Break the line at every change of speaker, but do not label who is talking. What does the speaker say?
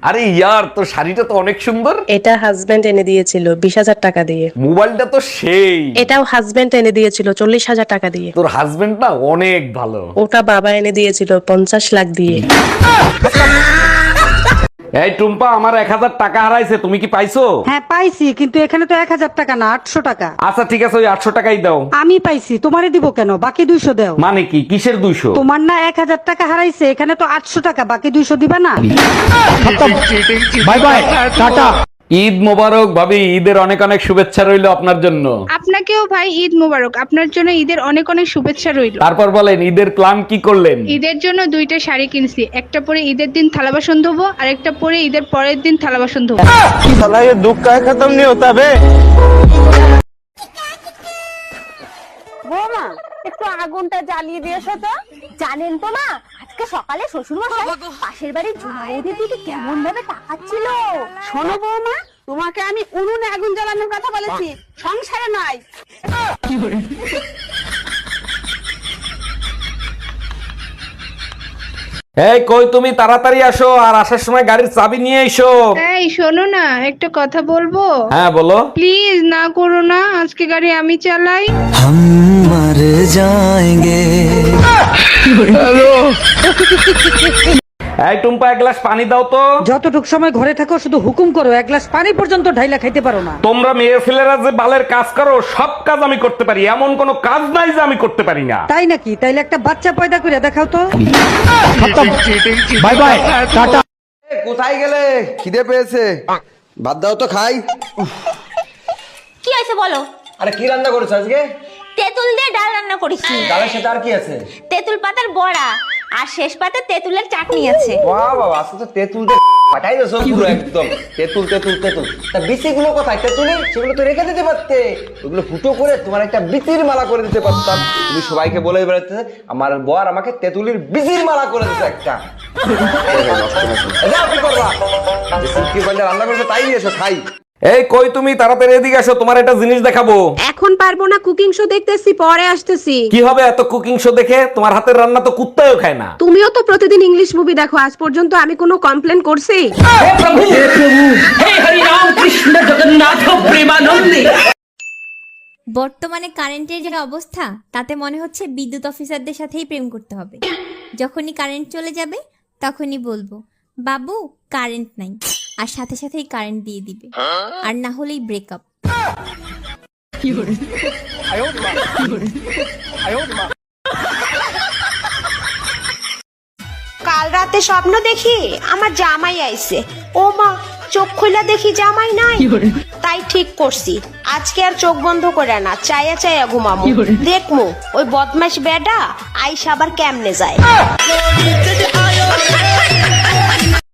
আরে ইয়ার, তোর শাড়িটা তো অনেক সুন্দর।
এটা হাজবেন্ড এনে দিয়েছিল 20,000 টাকা দিয়ে।
মোবাইলটা তো সেই।
এটাও হাজবেন্ড এনে দিয়েছিল 40,000 টাকা দিয়ে।
তোর হাজবেন্ড না অনেক ভালো।
ওটা বাবা এনে দিয়েছিল 50 লাখ দিয়ে।
এই টুম্পা, আমার 1000 টাকা হারাইছে, তুমি কি পাইছো?
হ্যাঁ পাইছি, কিন্তু এখানে তো 1000 টাকা না 800 টাকা।
আচ্ছা ঠিক আছে, ওই 800 টাকাই দাও।
আমি পাইছি, তোমারে দিব কেন? বাকি 200 দাও।
মানে কি, কিসের 200?
তোমার না 1000 টাকা হারাইছে, এখানে তো 800 টাকা, বাকি 200 দিবা না?
Bye bye, tata. Eid Mubarak ভাবি, ঈদের অনেক অনেক শুভেচ্ছা রইলো আপনার জন্য।
আপনাকেও ভাই ঈদ মোবারক। আপনার জন্য ঈদের অনেক অনেক শুভেচ্ছা রইল।
তারপর বলেন, ঈদের প্ল্যান কি করলেন?
ঈদের জন্য 2টা শাড়ি কিনছি, একটা পরে ঈদের দিন থালা বাসন ধোবো, আর একটা পরে ঈদের পরের দিন থালা বাসন ধোবো।
साला ये दुख का खत्म नहीं होता बे।
বৌমা একটু আগুনটা জ্বালিয়ে দিয়েছো তো। জানেন তো মা, আজকে সকালে শ্বশুর মশাই পাশের বাড়ির ঝুমাইদের দিকে কেমন ভাবে তাকাচ্ছিল।
শোনো বৌমা, তোমাকে আমি উনুনে আগুন জ্বালানোর কথা বলেছি, সংসারে নয়।
এই কই তুমি, তাড়াতাড়ি আসো, আর আসার সময় গাড়ির চাবি নিয়ে এসো।
এই শোনো না, একটা কথা বলবো?
হ্যাঁ বলো।
প্লিজ না করো না, আজকে গাড়ি আমি চালাই।
हम मर जाएंगे।
এই টুম্পা, এক গ্লাস পানি দাও তো।
যতটুক সময় ঘরে থাকো শুধু হুকুম করো, এক গ্লাস পানি পর্যন্ত ঢাইলা খাইতে পারো না।
তোমরা মেয়ে ছেলেরা যে বালের কাজ করো, সব কাজ আমি করতে পারি, এমন কোনো কাজ নাই যে আমি করতে পারি না।
তাই নাকি? তাইলে একটা বাচ্চা পয়দা করে দেখাও তো।
Bye bye, tata.
কোথায় গেলে? খিদে পেয়েছে, ভাত দাও তো খাই।
কি হয়েছে বলো?
আরে কি রান্না করেছো আজকে?
তেঁতুল দিয়ে ডাল রান্না করেছি।
ডালের সাথে আর কি আছে?
তেঁতুল পাতার বড়া, আর শেষ পাতে তেঁতুলের চাটনি আছে।
বাহ বাবা, আজকে তো তেঁতুল দিয়ে পাঠাই দিয়েছো পুরো একদম। তেঁতুল তেঁতুল তেঁতুল, তা বিচিগুলো কোথায় তেঁতুলের? সেগুলো তো রেখে দিতে পারতে, ওগুলো ফুটো করে তোমার একটা বিচির মালা করে দিতে পারতাম। তুমি সবাইকে বলে বেড়াতে আমার বর আমাকে তেঁতুলির বিচির মালা করে দিতে একটা। যাও, কি করবা? যে সিল্কি পাঞ্জা রান্না করেছো তাই দিয়েছো, খাই।
এই কই তুমি, তাড়াতাড়ি এদিকে আসো, তোমার একটা জিনিস দেখাবো।
এখন পারবো না, কুকিং শো দেখতেছি, পরে আসতেছি।
কি হবে এত কুকিং শো দেখে? তোমার হাতের রান্না তো কুত্তাও খায় না।
তুমিও তো প্রতিদিন ইংলিশ মুভি দেখো, আজ পর্যন্ত আমি কোনো কমপ্লেন করছি?
বর্তমানে কারেন্টের যে অবস্থা, তাতে মনে হচ্ছে বিদ্যুৎ অফিসারদের সাথেই প্রেম করতে হবে। যখনই কারেন্ট চলে যাবে তখনই বলবো, বাবু কারেন্ট নাই, আর সাথে সাথেই কারেন্ট দিয়ে দিবে, আর না হলেই ব্রেকআপ।
কাল রাতে স্বপ্ন দেখি আমার জামাই আইছে। ও মা, চোখ খুলে দেখি জামাই নাই। তাই ঠিক করছি, আজকে আর চোখ বন্ধ করে না, চায়া চায়া ঘুমামু। দেখমু ওই বদমাশ বেডা আইসা আবার কেমনে যায়।